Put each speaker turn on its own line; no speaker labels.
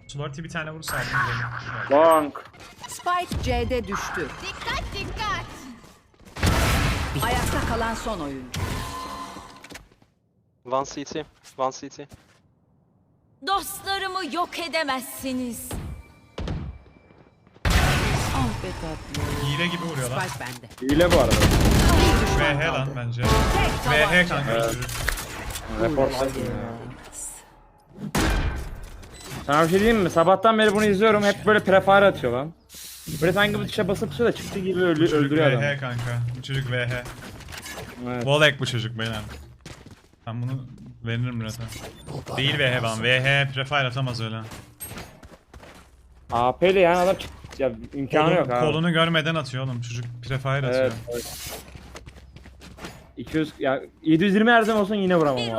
Slorty bir tane vursa aldım böyle.
Long.
Spike C'de düştü.
Dikkat dikkat.
Ayakta kalan son oyuncu.
One CT. One CT.
Dostlarımı yok edemezsiniz.
Ah be tatlım.
Hile gibi vuruyorlar.
Spike bende.
Hile bu arada.
Bir düşman
VH lan
kaldı.
bence.
Tek
VH
tabanca.
kanka.
Reportladım ya. Sana bir şey diyeyim mi? Sabahtan beri bunu izliyorum. Hep böyle prefire atıyor lan. Böyle sanki bu tuşa basıp tuşa da çıktı gibi
Bu çocuk
öldürüyor adamı.
VH kanka. Bu çocuk VH.
Evet.
Volek bu çocuk beyler. Ben bunu veririm biraz. Değil VH ben. VH prefire atamaz öyle.
AP'li yani adam çıktı. Ya imkanı yok abi.
Kolunu görmeden atıyor oğlum. Çocuk prefire atıyor.
Evet, evet. 200 ya 720 her zaman olsun yine vuramam abi.